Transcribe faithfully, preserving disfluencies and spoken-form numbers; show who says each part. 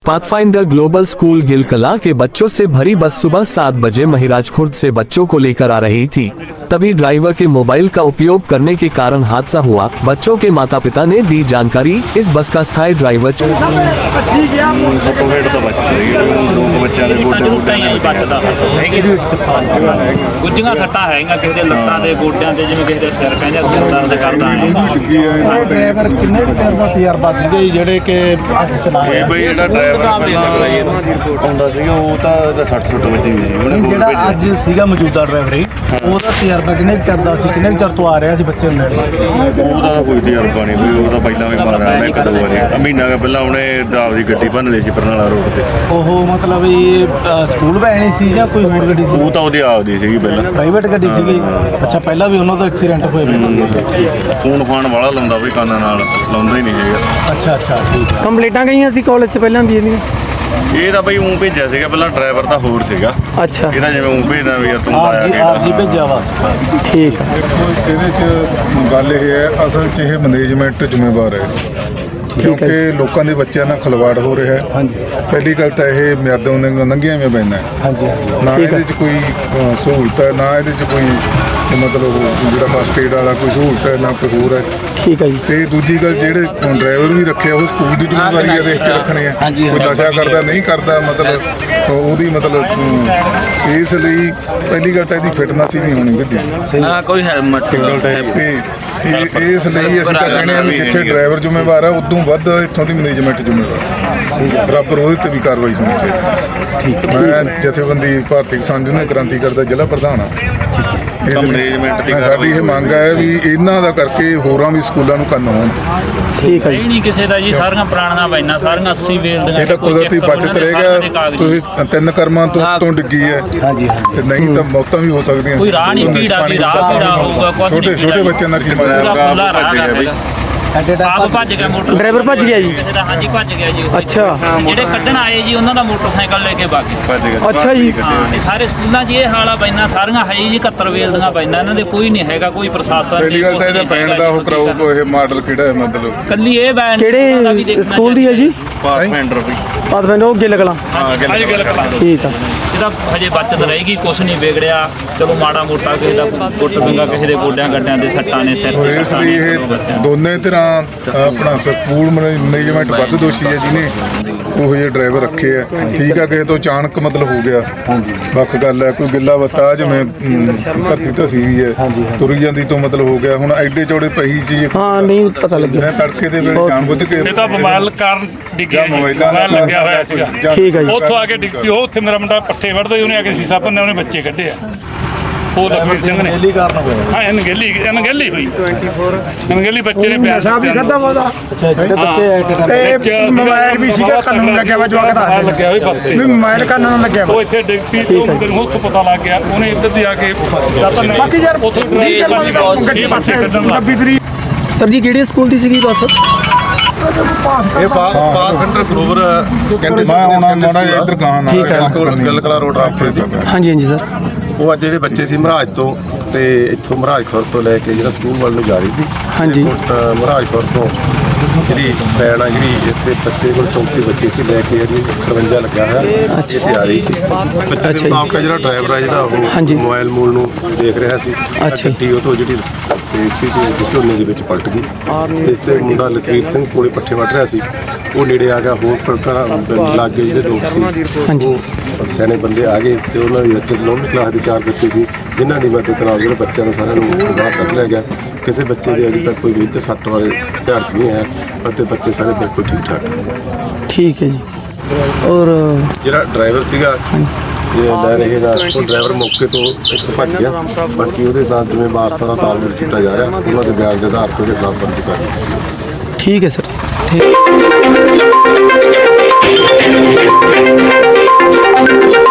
Speaker 1: Pathfinder global school गिलकला के बच्चों से भरी बस सुबह सात बजे महिराज खुर्द से बच्चों को लेकर आ रही थी। तभी ड्राइवर के मोबाइल का उपयोग करने के कारण हादसा हुआ। बच्चों के माता पिता ने दी जानकारी। इस बस का स्थायी ड्राइवर
Speaker 2: ਗੁੱਝੀਆਂ ਸੱਟਾਂ ਹੈਗੀਆਂ ਕਿਸੇ ਦੇ ਲੱਤਾਂ ਦੇ ਗੋਡਿਆਂ ਤੇ ਜਿਵੇਂ ਕਿਸੇ ਦੇ ਸਿਰ ਕਹਿੰਦੇ ਸਿਰ ਦਰਦ ਕਰਦਾ ਹੈ।
Speaker 3: ਡਰਾਈਵਰ ਕਿੰਨੇ ਕੁ ਚਿਰ ਦਾ ਤਜਰਬਾ ਸੀਗਾ ਜੀ ਜਿਹੜੇ ਕਿ ਅੱਜ ਚਲਾ ਰਹੇ
Speaker 4: ਇਹ ਬਈ ਜਿਹੜਾ ਡਰਾਈਵਰ ਪਹਿਲਾਂ ਆਉਂਦਾ ਸੀਗਾ ਉਹ ਤਾਂ ਇਹਦਾ ਸੱਠ ਸੁੱਟ ਵੱਜੀ ਹੋਈ ਸੀ ਉਹਨੇ
Speaker 3: ਨਹੀਂ, ਜਿਹੜਾ ਅੱਜ ਸੀਗਾ ਮੌਜੂਦਾ ਡਰਾਈਵਰ ਹੀ ਉਹਦਾ ਤਜਰਬਾ ਕਿੰਨੇ ਕੁ ਚਿਰ ਦਾ ਸੀ, ਕਿੰਨੇ ਕੁ ਚਿਰ ਤੋਂ ਆ ਰਿਹਾ ਸੀ ਬੱਚੇ ਨੂੰ?
Speaker 4: ਉਹਦਾ ਤਾਂ ਕੋਈ ਤਜਰਬਾ ਨਹੀਂ ਬਈ, ਉਹ ਤਾਂ ਪਹਿਲਾਂ ਵੀ ਮਾਰਿਆ ਉਹਨੇ ਇੱਕ ਦੋ ਵਾਰੀ ਮਹੀਨਾ ਕੁ ਪਹਿਲਾਂ ਉਹਨੇ ਆਪਦੀ ਗੱਡੀ ਭੰਨ ਲਈ ਸੀ ਬਰਨਾਲਾ ਰੋਡ ਤੇ।
Speaker 3: ਉਹ ਮਤਲਬ ਇਹ ਅ, ਸਕੂਲ ਵੈਨ ਸੀ ਜਾਂ ਕੋਈ ਹੋਰ ਗੱਡੀ ਸੀ?
Speaker 4: ਉਹ ਤਾਂ ਉਹਦੀ ਆਪਦੀ ਸੀਗੀ ਪਹਿਲਾਂ,
Speaker 3: ਪ੍ਰਾਈਵੇਟ ਗੱਡੀ ਸੀਗੀ। ਅੱਛਾ, ਪਹਿਲਾਂ ਵੀ ਉਹਨਾਂ ਦਾ ਐਕਸੀਡੈਂਟ ਹੋਇਆ ਪਹਿਲਾਂ?
Speaker 4: ਫੋਨ ਫਾਨ ਵਾਲਾ ਲਾਉਂਦਾ ਬਈ ਕੰਨਾਂ ਨਾਲ, ਲਾਉਂਦਾ ਹੀ ਨਹੀਂ ਸੀਗਾ।
Speaker 3: ਅੱਛਾ ਅੱਛਾ, ਠੀਕ ਹੈ।
Speaker 5: ਕੰਪਲੀਟਾਂ ਗਈਆਂ ਸੀ ਕਾਲਜ 'ਚ ਪਹਿਲਾਂ ਵੀ ਇਹਦੀਆਂ?
Speaker 4: ਇਹ ਤਾਂ ਬਈ ਊਂ ਭੇਜਿਆ ਸੀਗਾ ਪਹਿਲਾਂ, ਡਰਾਈਵਰ ਤਾਂ ਹੋਰ ਸੀਗਾ।
Speaker 5: ਅੱਛਾ,
Speaker 4: ਇਹਦਾ ਜਿਵੇਂ ਊਂ ਭੇਜਦਾ ਵੀ ਯਾਰ ਤੂੰ
Speaker 3: ਆਪ
Speaker 4: ਆਇਆ
Speaker 3: ਜੀ ਆਪ ਜੀ ਭੇਜਿਆ ਵਾ।
Speaker 5: ਠੀਕ ਹੈ।
Speaker 6: ਦੇਖੋ ਇਹਦੇ 'ਚ ਗੱਲ ਇਹ ਹੈ, ਅਸਲ 'ਚ ਇਹ ਮੈਨੇਜਮੈਂਟ ਜ਼ਿੰਮੇਵਾਰ ਹੈ ਕਿਉਂਕਿ ਲੋਕਾਂ ਦੇ ਬੱਚਿਆਂ ਨਾਲ ਖਿਲਵਾੜ ਹੋ ਰਿਹਾ ਹੈ।
Speaker 3: ਹਾਂਜੀ
Speaker 6: ਪਹਿਲੀ ਗੱਲ ਤਾਂ ਇਹ ਮਿਆਦੋਂ ਦੇ ਲੰਘੀਆਂ ਹੋਈਆਂ ਪੈਂਦਾ ਹੈ।
Speaker 3: ਹਾਂਜੀ ਹਾਂਜੀ,
Speaker 6: ਨਾ ਇਹਦੇ 'ਚ ਕੋਈ ਅ, ਸਹੂਲਤ ਹੈ, ਨਾ ਇਹਦੇ 'ਚ ਕੋਈ ਮਤਲਬ ਜਿਹੜਾ ਫਸਟ ਏਡ ਵਾਲਾ ਕੋਈ ਸਹੂਲਤ ਹੈ, ਨਾ ਕੋਈ ਹੋਰ ਹੈ।
Speaker 5: ਠੀਕ ਹੈ ਜੀ।
Speaker 6: ਤੇ ਦੂਜੀ ਗੱਲ ਜਿਹੜੇ ਡਰਾਈਵਰ ਵੀ ਰੱਖਿਆ ਉਹ ਸਕੂਲ ਦੀ ਜ਼ਿੰਮੇਵਾਰੀ ਹੈ ਦੇਖ ਕੇ ਰੱਖਣੇ ਆ।
Speaker 3: ਹਾਂਜੀ,
Speaker 6: ਕੋਈ ਨਸ਼ਾ ਕਰਦਾ ਨਹੀਂ ਕਰਦਾ, ਮਤਲਬ ਉਹਦੀ ਮਤਲਬ ਅਮ, ਇਸ ਲਈ ਪਹਿਲੀ ਗੱਲ ਤਾਂ ਇਹਦੀ ਫਿਟਨੈਸ ਹੀ ਨਹੀਂ ਹੋਣੀ ਗੱਡੀ।
Speaker 2: ਹਾਂ, ਕੋਈ ਹੈਲਮਟ
Speaker 6: ਤੇ ਇਹ ਇਸ ਲਈ ਅਸੀਂ ਤਾਂ ਕਹਿੰਦੇ ਹਾਂ ਵੀ ਜਿੱਥੇ ਡਰਾਈਵਰ ਜ਼ਿੰਮੇਵਾਰ ਹੈ ਉਦੋਂ ਵੱਧ ਇੱਥੋਂ ਦੀ ਮੈਨੇਜਮੈਂਟ ਜ਼ਿੰਮੇਵਾਰ, ਬਰਾਬਰ ਉਹਦੇ ਤੇ ਵੀ ਕਾਰਵਾਈ ਹੋਣੀ ਚਾਹੀਦੀ। ਠੀਕ, ਮੈਂ ਜਥੇਬੰਦੀ ਭਾਰਤੀ ਕਿਸਾਨ ਯੂਨੀਅਨ ਕ੍ਰਾਂਤੀਕਾਰੀ ਦਾ ਜ਼ਿਲ੍ਹਾ ਪ੍ਰਧਾਨ ਹਾਂ। ਇਸ
Speaker 4: ਮੈਨੇਜਮੈਂਟ ਦੀ
Speaker 6: ਸਾਡੀ ਇਹ ਮੰਗ ਹੈ ਵੀ ਇਹਨਾਂ ਦਾ ਕਰਕੇ ਹੋਰਾਂ ਵੀ ਸਕੂਲਾਂ ਨੂੰ ਕੰਨ ਹੋਣ।
Speaker 5: ਠੀਕ ਹੈ
Speaker 2: ਇਹ
Speaker 5: ਜੀ।
Speaker 2: ਨਹੀਂ ਕਿਸੇ ਦਾ ਜੀ, ਸਾਰੀਆਂ ਪੁਰਾਣੀਆਂ ਬੈਨਾਂ ਸਾਰੀਆਂ ਅੱਸੀ ਵੇਲ ਦੀਆਂ।
Speaker 6: ਇਹ ਤਾਂ ਕੁਦਰਤੀ ਬਚਤ ਰਹੇਗਾ। ਤੁਸੀਂ ਤਿੰਨ ਕਰਮਾਂ ਤੋਂ ਤੋਂ ਡਿੱਗੀ ਹੈ
Speaker 3: ਹਾਂਜੀ ਹਾਂਜੀ।
Speaker 6: ਤੇ ਨਹੀਂ ਤਾਂ ਮੌਤਾਂ ਵੀ ਹੋ ਸਕਦੀਆਂ।
Speaker 2: ਕੋਈ ਰਾਹ ਨਹੀਂ ਭੀੜਾ ਵੀ ਰਾਹ ਭੀੜਾ ਹੋਊਗਾ, ਕੁਛ ਨਹੀਂ
Speaker 6: ਛੋਟੇ ਛੋਟੇ ਬੱਚਿਆਂ ਦਾ ਕੀ
Speaker 2: ਪੂਰਾ
Speaker 6: ਮਜ਼ਾ।
Speaker 2: ਖੁੱਲਾ ਰਾਹ ਹੈ।
Speaker 3: ਐਡੇ
Speaker 2: ਆਪ
Speaker 3: ਟਾਈਮ
Speaker 2: ਭੱਜ ਗਿਆ ਮੋਟਰ,
Speaker 5: ਡਰਾਈਵਰ ਭੱਜ ਗਿਆ ਜੀ?
Speaker 2: ਕਿਸੇ ਦਾ ਹਾਂਜੀ ਭੱਜ ਗਿਆ ਜੀ ਉਹ।
Speaker 5: ਅੱਛਾ।
Speaker 2: ਜਿਹੜੇ ਕੱਢਣ ਆਏ ਜੀ ਉਹਨਾਂ ਦਾ ਮੋਟਰਸਾਈਕਲ ਲੈ ਕੇ ਭੱਜ ਗਏ।
Speaker 4: ਭੱਜ ਗਿਆ।
Speaker 5: ਅੱਛਾ ਜੀ।
Speaker 2: ਹਾਂ, ਇਹ ਸਾਰੇ ਸਕੂਲਾਂ 'ਚ ਇਹ ਹਾਲ ਆ, ਬੈਨਾਂ ਸਾਰੀਆਂ ਹੈ ਜੀ ਇਕਹੱਤਰ ਵੇਲ ਦੀਆਂ ਬੈਨਾਂ, ਇਹਨਾਂ ਦੇ ਕੋਈ ਨਹੀਂ ਹੈਗਾ, ਕੋਈ ਪ੍ਰਸ਼ਾਸਨ ਨਹੀਂ।
Speaker 6: ਪਹਿਲੀ ਗੱਲ ਤਾਂ ਇਹਦਾ ਪੈਣ ਦਾ ਉਹ ਕਰਾਓ, ਕੋਈ ਇਹ ਮਾਡਲ ਕਿਹੜਾ ਹੈ ਮਤਲਬ
Speaker 2: ਕੱਲੀ ਇਹ ਬੈਨ ਉਹਨਾਂ ਦਾ ਵੀ
Speaker 5: ਕਿਹੜੇ
Speaker 2: ਦੇਖਣਾ
Speaker 5: ਸਕੂਲ ਦੀ ਹੈ ਜੀ?
Speaker 4: ਪਾਥਫਾਈਂਡਰ ਵੀ
Speaker 5: ਪਾਥਫਾਈਂਡਰ ਉਹ ਗਿੱਲ ਕਲਾਂ।
Speaker 4: ਹਾਂ
Speaker 2: ਅੱਜ ਗੱਲ ਕਰਾਂ
Speaker 5: ਠੀਕ ਆ।
Speaker 2: ਇਹਦਾ ਹਜੇ ਬਚਤ ਰਹੇਗੀ, ਕੁਛ ਨਹੀਂ ਵਿਗੜਿਆ। ਚਲੋ ਮਾੜਾ ਮੋਟਾ ਕਿਸੇ ਦਾ ਗੁੱਟ ਵਿੰਗਾ, ਕਿਸੇ ਦੇ ਗੋਡਿਆਂ ਗੱਡਿਆਂ ਦੇ ਸੱਟਾਂ ਨੇ, ਸਿਰ 'ਤੇ
Speaker 6: ਇਸ
Speaker 2: ਸੱਟਾਂ
Speaker 6: ਲਈ
Speaker 2: ਨੇ।
Speaker 6: ਇਹ ਦੋਨੇ ਤਰ੍ਹਾਂ ਆਪਣਾ ਸਕੂਲ ਮੈਨੇਜਮੈਂਟ ਵੱਧ ਦੋਸ਼ੀ ਹੈ ਜਿਹਨੇ ਉਹ ਜਿਹੇ ਡਰਾਈਵਰ ਰੱਖੇ ਆ। ਠੀਕ ਆ, ਕਿਸੇ ਤੋਂ ਅਚਾਨਕ ਮਤਲਬ ਹੋ ਗਿਆ, ਵੱਖ ਗੱਲ ਹੈ। ਕੋਈ ਗਿੱਲਾ ਬੱਤਾ ਜਿਵੇਂ ਅਮ, ਧਰਤੀ ਧਸੀ ਵੀ ਹੈ, ਤੁਰ ਜਾਂਦੀ ਤੋਂ ਮਤਲਬ ਹੋ ਗਿਆ। ਹੁਣ ਐਡੇ ਚੌੜੇ ਪਹੀ ਜੀ
Speaker 5: ਹਾਂ, ਨਹੀਂ ਪਤਾ ਲੱਗਿਆ।
Speaker 6: ਜਿਹਨੇ ਤੜਕੇ ਦੇ ਵੇਲੇ ਜਾਣ ਬੁੱਝ ਕੇ
Speaker 7: ਇਹ ਤਾਂ ਮੋਬਾਈਲ ਕਾਰਨ ਡਿੱਗਿਆ ਜੀ,
Speaker 6: ਮੋਬਾਈਲਾਂ
Speaker 7: ਮੋਬਾਈਲ ਲੱਗਿਆ ਹੋਇਆ ਸੀਗਾ।
Speaker 5: ਠੀਕ ਹੈ ਜੀ।
Speaker 7: ਉੱਥੋਂ ਆ ਕੇ ਡਿੱਗ ਪਈ। ਉਹ ਉੱਥੇ ਮੇਰਾ ਮੁੰਡਾ ਪੱਠੇ ਵੜਦਾ ਸੀ, ਉਹਨੇ ਆ ਕੇ ਸੀਸਾ ਭੰਨਿਆ, ਉਹਨੇ ਬੱਚੇ ਕੱਢੇ ਆ। ਉਹ ਲਖਵੀਰ ਸਿੰਘ ਨੇ।
Speaker 3: ਪਹਿਲੀ ਕਾਰਨ ਹੋਇਆ।
Speaker 7: ਹਾਂ, ਅਣਗਹਿਲੀ ਅਣਗਹਿਲੀ ਹੋਈ। ਅਣਗਹਿਲੀ ਬੱਚੇ ਨੇ ਪਿਆਰ
Speaker 8: ਨਸ਼ਾ ਵੀ ਖਾਦਾ ਵਾਦਾ
Speaker 3: ਅੱਛਾ, ਜਿਹੜੇ ਬੱਚੇ ਐਟ ਟਾਈਮ
Speaker 8: ਤੇ ਮੋਬਾਈਲ ਵੀ ਸੀਗਾ ਕੰਨ ਨੂੰ ਲੱਗਿਆ ਵਾ, ਜਵਾਕ ਦੱਸਦੇ
Speaker 7: ਲੱਗਿਆ ਹੋਇਆ ਬਸ ਤੇ।
Speaker 8: ਵੀ ਮੋਬਾਈਲ ਕੰਨ ਨੂੰ ਲੱਗਿਆ ਵਾ।
Speaker 7: ਉਹ ਇੱਥੇ ਡਿੱਗ ਪਈ, ਉਹ ਮੁੰਡੇ ਨੂੰ ਉੱਥੋਂ ਪਤਾ ਲੱਗ ਗਿਆ, ਉਹਨੇ ਇੱਧਰ ਦੀ ਆ ਕੇ
Speaker 8: ਬਾਕੀ ਯਾਰ
Speaker 7: ਉੱਥੋਂ
Speaker 8: ਵੀਹ ਕਿਲੋ ਦੀ ਤਾਂ ਗੱਡੀ ਪਾਸੇ ਨੱਬੀ ਤਰੀਕ
Speaker 5: ਸਰ ਜੀ, ਕਿਹੜੇ ਸਕੂਲ ਦੀ ਸੀਗੀ ਬੱਸ?
Speaker 4: ਇਹ ਪਾਥਫਾਈਂਡਰ ਗਲੋਬਲ ਸੈਕੰਡਰੀ
Speaker 6: ਮੈਂ ਹੁਣ ਮਾੜਾ ਜਿਹਾ ਇੱਧਰ ਗਾਂ ਨਾਲ
Speaker 5: ਠੀਕ ਹੈ।
Speaker 4: ਗਿਲਕਲਾ ਰੋਡ ਰਾਸਤੇ ਤੇ।
Speaker 5: ਹਾਂਜੀ ਹਾਂਜੀ ਸਰ।
Speaker 9: ਉਹ ਅੱਜ ਜਿਹੜੇ ਬੱਚੇ ਸੀ ਮਹਾਰਾਜ ਤੋਂ ਤੇ ਇੱਥੋਂ ਮਹਾਰਾਜ ਖੁਰ ਤੋਂ ਲੈ ਕੇ ਜਿਹੜਾ ਸਕੂਲ ਵੱਲ ਨੂੰ ਜਾ ਰਹੀ ਸੀ।
Speaker 5: ਹਾਂਜੀ।
Speaker 9: ਕੋਟ ਮਹਾਰਾਜ ਖੁਰ ਤੋਂ ਜਿਹੜੀ ਪੈਣ ਆ, ਜਿਹੜੀ ਇੱਥੇ ਬੱਚੇ ਕੋਲ ਚੌਂਤੀ ਬੱਚੇ ਸੀ, ਲੈ ਕੇ ਜਿਹੜੀ ਖਰਵੰਜਾ ਲੱਗਿਆ ਹੋਇਆ
Speaker 5: ਅੱਛਾ।
Speaker 9: ਇੱਥੇ ਆ ਰਹੀ ਸੀ। ਬੱਚੇ
Speaker 5: ਅੱਛਾ ਜੀ।
Speaker 9: ਦੇ ਮੁਤਾਬਕ ਜਿਹੜਾ ਡਰਾਈਵਰ ਆ ਜਿਹੜਾ
Speaker 5: ਹਾਂਜੀ।
Speaker 9: ਉਹ ਮੋਬਾਈਲ ਮੂਲ ਨੂੰ ਦੇਖ ਰਿਹਾ ਸੀ।
Speaker 5: ਅੱਛਾ ਜੀ।
Speaker 9: ਗੱਡੀ ਉਹ ਤੋਂ ਜਿਹੜੀ ਤੇਜ਼ ਸੀ ਤੇ ਝੋਨੇ ਦੇ ਵਿੱਚ ਪਲਟ ਗਈ। ਜਿਸ ਤੇ ਮੁੰਡਾ ਲਖਵੀਰ ਸਿੰਘ ਕੋਲੇ ਪੱਠੇ ਵੱਢ ਰਿਹਾ ਸੀ। ਉਹ ਨੇੜੇ ਆ ਗਿਆ। ਹੋਰ ਪਲਟਣਾ ਲਾਗੇ ਜਿਹੜੇ ਲੋਕ ਸੀ,
Speaker 5: ਹਾਂਜੀ।
Speaker 9: ਉਹ ਸਿਆਣੇ ਬੰਦੇ ਆ ਗਏ ਤੇ ਉਹਨਾਂ ਦੇ ਵਿੱਚ ਨੌਵੀਂ ਕਲਾਸ ਦੇ ਚਾਰ ਬੱਚੇ ਸੀ, ਜਿਨ੍ਹਾਂ ਦੀ ਮਦਦ ਨਾਲ ਜਿਹੜੇ ਬੱਚਿਆਂ ਨੂੰ ਸਾਰਿਆਂ ਨੂੰ ਬਾਹਰ ਕੱਢ ਲਿਆ ਗਿਆ। ਕਿਸੇ ਬੱਚੇ ਦੇ ਅਜੇ ਤੱਕ ਕੋਈ ਵਿੱਚ ਸੱਟ ਵਾਲੇ ਧਿਆਨ 'ਚ ਨਹੀਂ ਹੈ ਅਤੇ ਬੱਚੇ ਸਾਰੇ ਬਿਲਕੁਲ ਠੀਕ ਠਾਕ।
Speaker 5: ਠੀਕ ਹੈ ਜੀ। ਔਰ
Speaker 9: ਜਿਹੜਾ ਡਰਾਈਵਰ ਸੀਗਾ ਇਹ ਲੈ ਰਹੇ ਦਾ, ਉਹ ਡਰਾਈਵਰ ਮੌਕੇ ਤੋਂ ਇੱਥੋਂ ਭੱਜ ਗਿਆ। ਬਾਕੀ ਉਹਦੇ ਨਾਲ ਜਿਵੇਂ ਵਾਰਸਾਂ ਦਾ ਤਾਲਮੇਲ ਕੀਤਾ ਜਾ ਰਿਹਾ, ਉਹਨਾਂ ਦੇ ਬਿਆਨ ਦੇ ਆਧਾਰ ਤੇ ਉਹਦੇ ਖਿਲਾਫ ਬਣਦੀ ਕਾਰਵਾਈ।
Speaker 5: ਠੀਕ ਹੈ ਸਰ ਜੀ। ਠੀਕ।